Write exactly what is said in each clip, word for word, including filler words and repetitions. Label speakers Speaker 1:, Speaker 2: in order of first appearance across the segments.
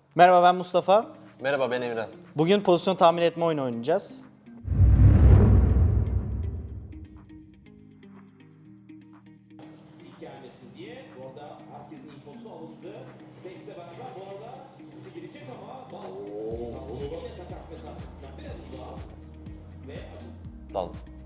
Speaker 1: Merhaba, ben Mustafa.
Speaker 2: Merhaba, ben Emre.
Speaker 1: Bugün pozisyon tahmin etme oyunu oynayacağız.
Speaker 3: gelmesin diye orada herkesin infosu alındı. Stace'le beraber bu arada kutu girecek ama Baz yine takas mesafesinden biraz uzağız ve
Speaker 2: Dal.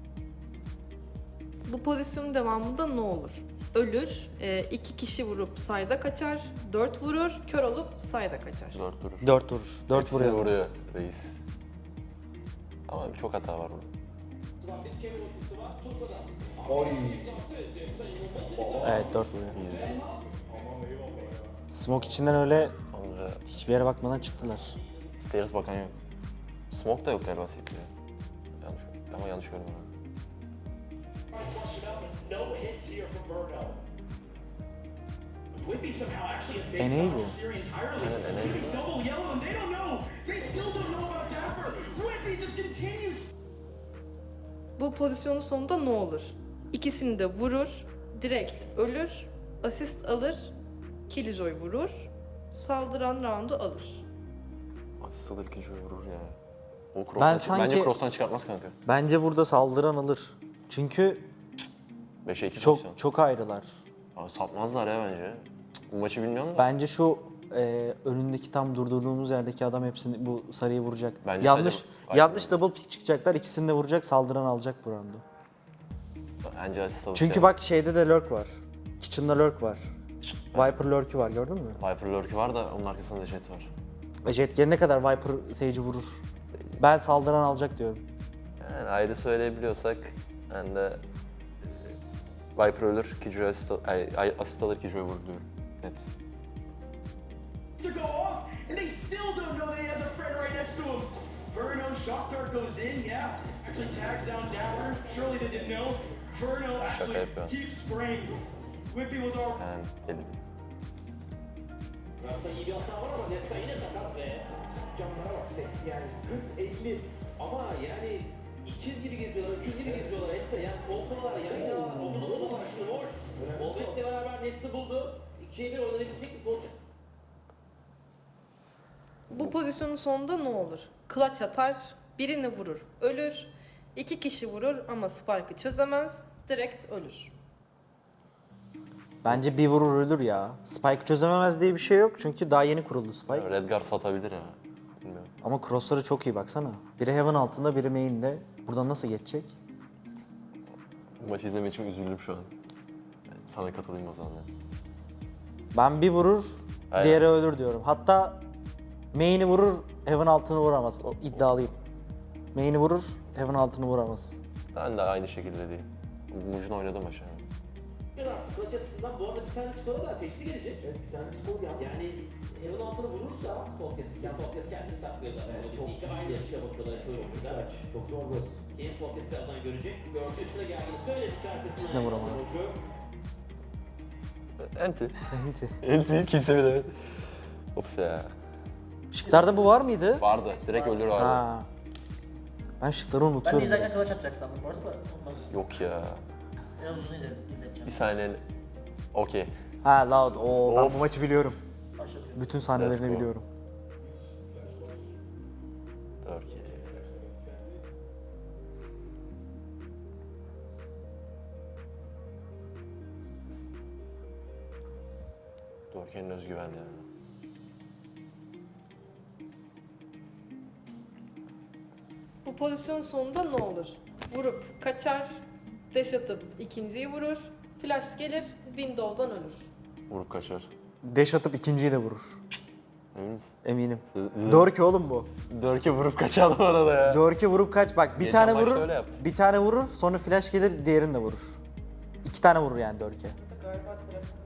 Speaker 4: Bu pozisyonun devamında ne olur? Ölür, e, iki kişi vurup sayda kaçar, dört vurur, kör olup sayda kaçar.
Speaker 2: Dört durur.
Speaker 1: Dört vurur. Dört
Speaker 2: Hepsini
Speaker 1: vuruyor.
Speaker 2: vuruyor reis. Ama çok hata var burada.
Speaker 3: bir kere ultisi var. Tuzla'da.
Speaker 1: Evet, dört vuruyor.
Speaker 2: Easy.
Speaker 1: Smoke içinden öyle
Speaker 2: Onca
Speaker 1: hiçbir yere bakmadan çıktılar.
Speaker 2: stairs bakan yok. Smoke da yok galiba C T'de. Yanlış, ama yanlış görmüyorum.
Speaker 5: No hits here from Burno. Whitby somehow actually evades
Speaker 1: Enable.
Speaker 5: Dodger's fury entirely.
Speaker 2: Yeah, enable.
Speaker 5: Whitby double yellow and they don't know. They still don't know about Dapper. Whitby just continues.
Speaker 4: Bu pozisyonun sonunda ne olur? İkisini de vurur, direkt ölür, asist alır, Killjoy vurur, saldıran roundu alır.
Speaker 2: Asıl ilk kişi vurur ya. O cross'tan
Speaker 1: Ben
Speaker 2: çık-
Speaker 1: sanki-
Speaker 2: Bence cross'tan çıkartmaz kanka.
Speaker 1: Bence burada saldıran alır. Çünkü
Speaker 2: beşe iki
Speaker 1: çok
Speaker 2: pozisyon.
Speaker 1: çok ayrılar.
Speaker 2: Abi satmazlar ya bence. Cık, Bu maçı bilmiyorum da.
Speaker 1: Bence şu e, önündeki tam durdurduğumuz yerdeki adam hepsini bu sarıyı vuracak.
Speaker 2: Bence
Speaker 1: yanlış
Speaker 2: sadece-
Speaker 1: yanlış double pick çıkacaklar. İkisini de vuracak, saldıran alacak bu roundu.
Speaker 2: Bence asist alır.
Speaker 1: Çünkü
Speaker 2: ya.
Speaker 1: bak şeyde de lurk var. Kitchen'da lurk var. Viper lurk'ü var, gördün mü?
Speaker 2: Viper lurk'ü var da onun arkasında da jet var.
Speaker 1: Ve Jet gelene kadar Viper Sage'i vurur. Ben saldıran alacak diyorum.
Speaker 2: Yani ayrı söyleyebiliyorsak ben de Viper ölür, Killjoy asist, al- ay, ay, asist alır, Killjoy vurur diyorum. Net.
Speaker 5: To go off and they still don't know that he has a friend right next to him. Burno shock dart goes in, yeah. Actually tags down Dapper. Surely they didn't know. Burno actually
Speaker 2: yapıyor.
Speaker 5: keeps spraying. Whitby was all
Speaker 2: Yani dedim.
Speaker 3: Tarafta iyi bir hata var ama Nesta yine takas ve camlara bak set yani kırk elli ama yani ikiz gibi geziyorlar, öküz gibi geziyorlar etse yani koltuğlar yan yana omuz omuza başlı boş. Bobet'le beraber Nets'i buldu. ikiye bir oynanabilecek bir pozisyon.
Speaker 4: Bu pozisyonun sonunda ne olur? Clutch atar, birini vurur, ölür, iki kişi vurur ama Spike'ı çözemez, direkt ölür.
Speaker 1: Bence bir vurur ölür ya. Spike çözememez diye bir şey yok çünkü daha yeni kuruldu Spike.
Speaker 2: Redgar satabilir ya. Bilmiyorum.
Speaker 1: Ama crossları çok iyi baksana. Biri heaven altında, biri main'de. Buradan nasıl geçecek?
Speaker 2: Bu maçı izlemek için üzüldüm şu an. Yani sana katılayım o zaman. ya.
Speaker 1: Ben bir vurur,
Speaker 2: Aynen.
Speaker 1: diğeri ölür diyorum. Hatta main'i vurur, heaven altını vuramaz. O iddialıyım. Main'i vurur, heaven altını vuramaz.
Speaker 2: Ben de aynı şekilde değil. Mujin oynadı maçı. yani.
Speaker 3: Artık maç açısından bu arada bir tane skora da ateşli gelecek. Evet bir tane skor ya. Yani Heaven altını vurursa Solkes, yani Solkes kendini saklıyorlar. Yani çok iki aynı yaşa bakıyorlar iki oyuncuda. Çok zor bu. Yeni Solkes birazdan görecek. Gördü üstüne geldiğini söyledi ki arkasından.
Speaker 1: İkisine vuramadı.
Speaker 2: Enti. Enti kimse bilemedi. Of ya.
Speaker 1: Şıklarda bu var mıydı?
Speaker 2: Vardı. Direkt ölür vardı.
Speaker 1: Ha. Ben şıkları
Speaker 6: Ben de
Speaker 1: unutuyorum.
Speaker 6: izlerken kılıç atacak sandım bu arada da ondan
Speaker 2: Yok ya.
Speaker 6: biraz uzun izle- izleteceğim.
Speaker 2: Bir saniye. Okey.
Speaker 1: Ha Loud. Oo, ben
Speaker 2: Of.
Speaker 1: bu maçı biliyorum.
Speaker 6: Başladı.
Speaker 1: Bütün
Speaker 2: Let's
Speaker 1: sahnelerini
Speaker 2: go.
Speaker 1: biliyorum.
Speaker 2: Okey. Dorken'in özgüvenli ya.
Speaker 4: Bu pozisyonun sonunda ne olur? Vurup kaçar, dash atıp ikinciyi vurur, flash gelir, window'dan ölür.
Speaker 2: Vurup kaçar.
Speaker 1: Dash atıp ikinciyi de vurur.
Speaker 2: Emin misin?
Speaker 1: Eminim.
Speaker 2: Hı- hı.
Speaker 1: Doğru ki oğlum bu.
Speaker 2: Dörke vurup kaçar bu arada ya.
Speaker 1: Doğru ki vurup kaç. Bak bir
Speaker 2: Geçen
Speaker 1: tane
Speaker 2: maçta
Speaker 1: vurur,
Speaker 2: öyle yaptı.
Speaker 1: bir tane vurur, sonra flash gelir, diğerini de vurur. İki tane vurur yani Dörke.
Speaker 4: Galiba telefon.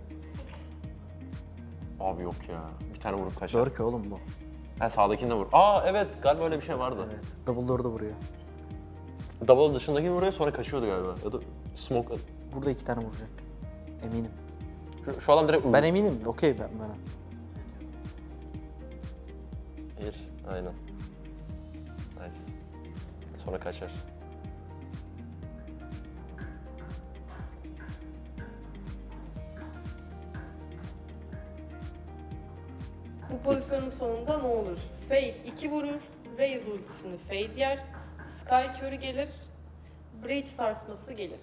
Speaker 2: Abi yok ya. Bir tane vurup kaçar.
Speaker 1: Dörke oğlum bu.
Speaker 2: Ha sağdakini de vur. Aa evet galiba öyle bir şey vardı.
Speaker 1: Evet. Double door'da vuruyor.
Speaker 2: Double dışındaki vuruyor sonra kaçıyordu galiba. Ya da smoke.
Speaker 1: Burada iki tane vuracak. Eminim.
Speaker 2: Şu, şu adam direkt
Speaker 1: Ben eminim. Okey ben bana.
Speaker 2: Bir. Aynen. Nice. Sonra kaçar.
Speaker 4: Bu pozisyonun sonunda ne olur? Fade iki vurur, Raze ultisini Fade yer, Sky körü gelir, Breach sarsması gelir.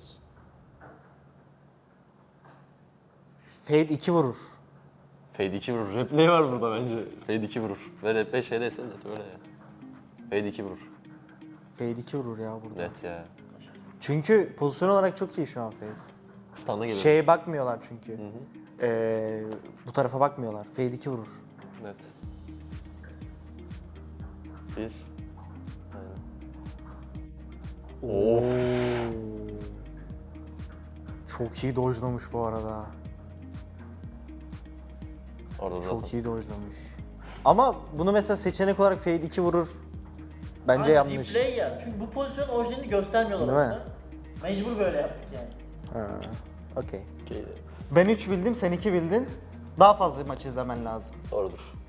Speaker 1: Fade iki vurur.
Speaker 2: Fade iki vurur. Replay var burada bence. Fade iki vurur. Ve replay şeydeyse de öyle ya. Fade iki vurur.
Speaker 1: Fade iki vurur ya burada.
Speaker 2: Net ya.
Speaker 1: Çünkü pozisyon olarak çok iyi şu an Fade.
Speaker 2: Stun'da gelir.
Speaker 1: Şeye bakmıyorlar çünkü.
Speaker 2: Hı hı.
Speaker 1: Ee, bu tarafa bakmıyorlar. Fade iki vurur.
Speaker 2: Net. Bir. Aynen.
Speaker 1: Oo. Çok iyi dojlamış bu arada.
Speaker 2: Orada zaten.
Speaker 1: Çok iyi dojlamış. Ama bunu mesela seçenek olarak Fade iki vurur. Bence
Speaker 6: Aynen,
Speaker 1: yanlış.
Speaker 6: Replay ya. Çünkü bu pozisyon orijinalini göstermiyorlar
Speaker 1: Değil mi?
Speaker 6: orada. Mecbur böyle yaptık yani.
Speaker 1: Ha, okey.
Speaker 2: Okey.
Speaker 1: Ben üç bildim, sen iki bildin. Daha fazla maç izlemen lazım.
Speaker 2: Doğrudur.